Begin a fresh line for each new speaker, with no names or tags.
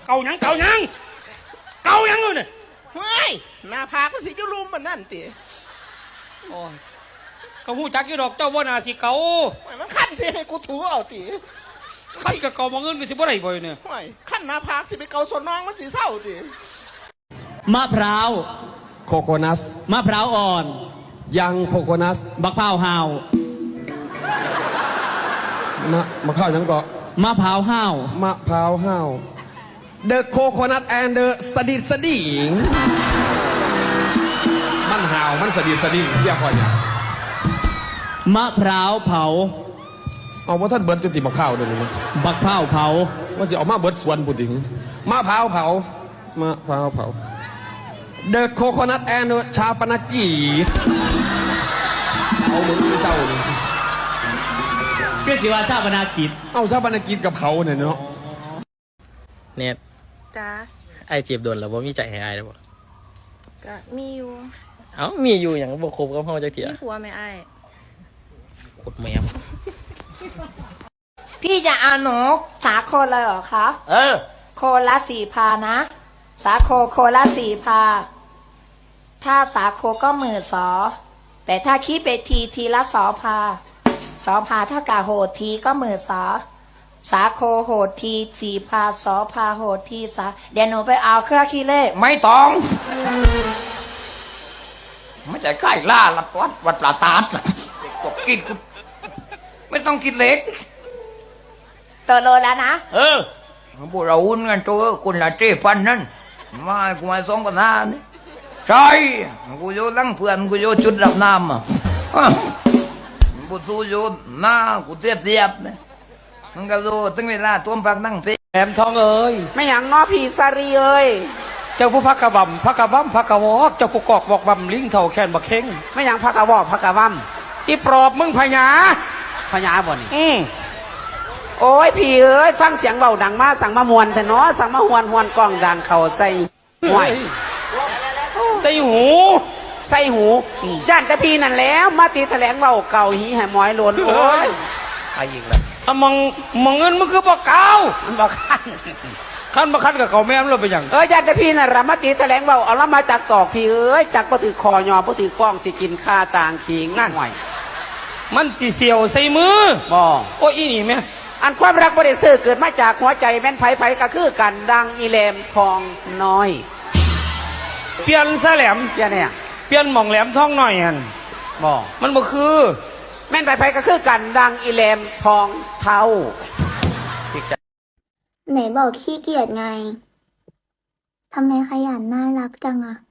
เกาหยังเกาหยังเกาหยังเลยเนี่ย
เฮ้ยหน้าผากมันสิจุลุมมันนั่นติ
โอ้ยก็หูจักอยู่ดอกเจ้าว่านาสิเกา
มันขั้นสิให้กูถูเอาติ
ขั้นกับเกามองเงินก็สิบ่ได้บ่อยเนี่ย
เฮ้ยขั้นหน้าผากสิไปเกาส่วนน้องมันสิเศร้าติ
มะพร้าว
โคโคนัส
มะพร้าวอ่อน
ยังโคโคนัส
บักพร้าวห่าว
มาเข้ายังเกาะ
มะพร้าวห่าว
มะพร้าวห้าว The coconut and the สดิดสดิ่งมันห่าวมันสดิดสดิ่งเรียกว่าอย่าง
มะพร้าวเผา
เอาว่าท่านเบิร์ดจะติมาข้าวเดี๋ยวนี้
บักพร้าวเผา
ว่าจะเอามาเบิร์ดสวนปุถิงมะพร้าวเผามะพร้าวเผา The coconut and the ชาปนกิจเอาเหมือนที่เศร้าเลย
ก็สิว่าชาปนากิจ
เอาชาปนกิจกับเขาเนี่ยเนาะ
เนี่ย
จ้า
ไอจีบโดนแล้วว่ามีใจให้ไอแล้วบ่
ก็มีอยู่
เอ้ามีอยู่อย่างบ่ครบกับเฮาจักเที่ย
มีผัวไหมไอ้
กดแมว
พี่จะเอาหนูสาโคเลยเหรอคะ โคละ4,000นะ สาโคละ4,000ถ้าสาโคก็12,000แต่ถ้าคิดไปทีละ2,000เท่ากับโหดทีก็12,000สาโคโหดที4,000 2,000โหดทีเดี๋ยวหนูไปเอาเครื่องคิดเลข
ไม่ต้องไม่ใช่ใกล้ล่าลัดวัดปลาตาดกบกินกูไม่ต้องกินเล็ก
เติโลแล้วนะ
พวกเราหุ้นกันตัวคนละ7,000นั่นมากูมา2,500นี่ใช่กูโยนลังเพื่อนกูโยนชุดรับน้ำกูสู้โยนหน้ากูเทียบเนี่ยมันก็รู้ตั้งเวลาตัวพักนั่งเพ่
แหลมทองเอ้ย
ไม่อย่างน้อผีสารีเอ้ย
เจ้าผู้พักกระบำพักกระบำพักกระวอกเจ้าผู้กอกบอกบำลิงเท่าแขนบักเข่ง
ไม่อย่างพักกะวอกพักกะว่ำ
อีปรอบมึงพญา
พญาบ่นี่
อืม
โอ้ยพี่เอ้ยฟังเสียงเบาดังมาสั่งมามวนแต่เนาะสั่งมาหวนกล้องดังเข่าใส่ห่วย
ใส่หู
ใส่หูย่านแต่พี่นั่นแล้วมาตีแถลงเบาเก่าหีให้หมอยหลนโอ้ยไปอีกแล้ว
ถ้ามองเงินมึงคือบ่เกา
มันบอกขัน
ขั้นมาคันกับเก่าแม่มเราไปอย่าง
ย่านแต่พี่นั่นละมาตีแถลงเบาเอาละมาจากตอกพี่เอ้ยจากปถือคอยอปถือกล้องสิกินข้าต่างขิงนั่นห่วย
มันสิเสียวใส่มือ
บ่
โอ้ยอีนี่แม่
อันความรักบริสุทธิ์เกิดมาจากหัวใจแม่นไผก็คือกันดังอีแหลมทองน้อย
เปลี่ยนซะแหลม
เพี่ยเนี่ย
เปลี่ยนหม่องแหลมทองหน่อยหัน
บ่
มันบ่คือ
แม่นไผก็คือกันดังอีแหลมทองเทา
ไหนบอกขี้เกียจไง ทำไมขยันน่ารักจังอะ